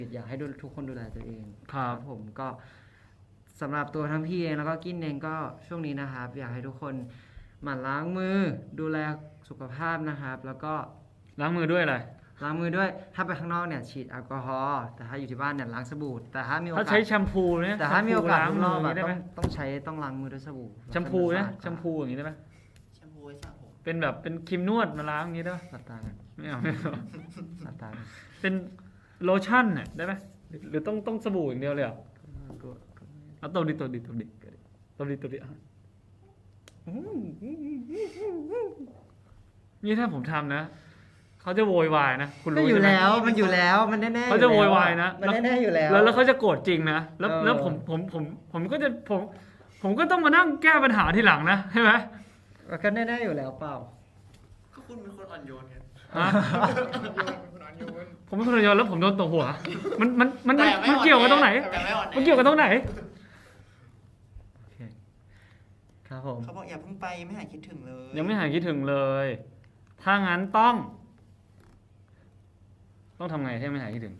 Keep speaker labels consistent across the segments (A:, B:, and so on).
A: อยากให้ทุกคนดูแลตัวเอง
B: ครับ
A: ผมก็สำหรับตัวทั้งพี่เองแล้วก็กินเองก็ช่วงนี้นะครับ อยากให้ทุกคนหมั่นล้างมือดูแลสุขภาพนะครับ แล้วก็
B: ล้างมือด้วยอะไร
A: ล้างมือด้วยถ้าไปข้างนอกเนี่ยฉีดแอลกอฮอล์แต่ถ้าอยู่ที่บ้านเนี่ยล้างสบู่แต่ถ้ามีโอกา
B: ถ้า
A: ส
B: ใช้แชมพูเนี่ย
A: แต่ถ้ามีโอกาส
B: ล้าง
A: ข้างน
B: มื
A: อ
B: อก อย่าง
A: อะ
B: นี้ได้ไหม
A: ต้องล้างมือด้วยสบู่
B: แชมพูนะ
A: สะอาด
B: แชมพูอย่างนี้ได้ไหม
C: แชมพูไว้สระผม
B: เป็นแบบเป็นครีมนวดมาล้างอย่างนี้ได้ไหม
A: หลับตากัน
B: ไม่เอาไม่เอา
A: หลับตากัน
B: เป็นโลชั่นเนี่ยได้ไหมหรือต้องสบู่อย่างเดียวเลยเหรอเอาตบดิอ่ะนี่ถ้าผมทำนะเขาจะโวยวายนะคุณ
A: ก็
B: รู้
A: อยู่
B: ใช่ไหม
A: แล้วมันอยู่แล้วมันแน่ๆ
B: เขาจะโวยวายนะ
A: มันแน่ๆอยู่แล้ว
B: แล้วเขาจะโกรธจริงนะแล้ว
A: เออ
B: แล้วผมก็จะผมก็ต้องมานั่งแก้ปัญหาทีหลังนะใช่ไหม
A: ก็แน่ๆอยู่แล้วเปล่า
C: ก็คุณเป็นคนอ่อนโยนไง
B: ฮะ
C: คุณอ่อนโยน
B: ผมเป็นคนระยองแล้วผมโดนตบหัวมัน
C: แต่ไม่
B: เกี่ยวกันตรงไหน
C: แต่ไม่อ่อนแอ
B: มันเกี่ยวกันตรงไหน
A: โอเคครับผม
C: เขาบอกอย่าเพิ่งไปไม่หายคิดถึงเลย
B: ยังไม่หายคิดถึงเลย ถ้างั้นต้องทำไงให้ไม่หายคิดถึง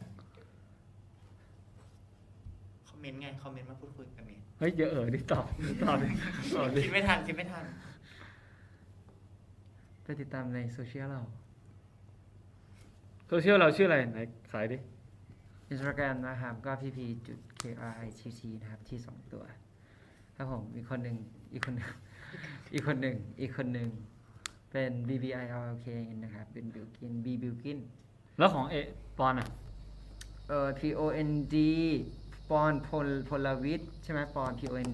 C: คอมเมนต์ไงคอมเมนต์มาพูดคุยกันไง
B: เฮ้ยเดี๋ยวดิตอบดิ
C: คิดไม่ทัน
A: ไปติดตามในโซเชียลเรา
B: โซเชียลเราชื่ออะไรไหนขายดิ
A: Instagram นะครับก็ pp.kritt นะครับที่2ตัวครับผมอีกคนหนึ่งเป็น BBILK นะครับเป็นบิลกิน B บิลกิน
B: แล้วของปอนอ่ะ
A: POND ปอนพลวิทย์ใช่ไหมปอน POND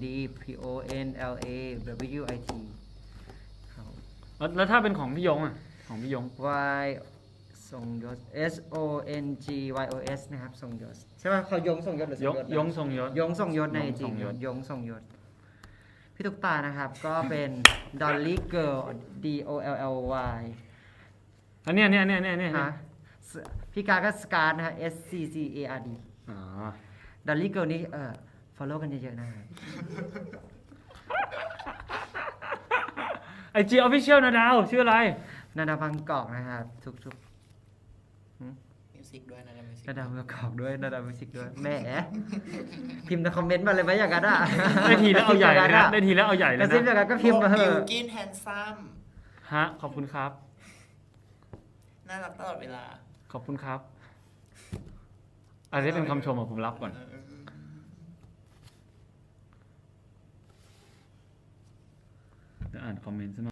A: PONLAWIT ครับผม
B: แล้วถ้าเป็นของพี่ยงอ่ะของพี่ยง
A: Y ส่งยศ SONGYOS นะครับส่งยศใช่ไหมเขายงส่งยศหรือส่งยศนะ
B: ยงทรงยศ
A: ยงส่งยศใน
B: ยง
A: จริ
B: ส่
A: ง
B: งยศ
A: ยงส่งยศพี่ตุ๊กตานะครับก็เป็น Dolly Girl DOLLY
B: อันเนี้ย
A: ฮะพี่การก็สการ์ดนะฮะ SCCARD
B: อ๋อ
A: Dolly Girl นี่follow กันเยอะๆนะครับ
B: IG Official นะดาวชื่ออะไร
A: นาดาบางกอกนะครับทุก
C: มิวสิกด้วยนะมิวสิก
A: นาดาบางกอกด้วยนาดามิวสิกด้วยแหมพิมพ์ในคอมเมนต์มาเลยไหมอย่างนั้นอ่ะ
B: ได้ทีแล้วเอาใหญ่เลยนะได้ทีแล้วเอาใหญ่เล
A: ก
B: ย
A: ระซิบอ
B: นะ
A: ย่างนั้นก็พิมพ์มาเถ
C: บิว
A: อะ
C: กินแฮนซัม
B: ฮะขอบคุณครับ
C: น่ารักตลอดเวลา
B: ขอบคุณครับอันนี้เป็นคำชมอ่ะผมรับก่อน เดี๋ยวอ่านคอมเมนต์ซะหน่อย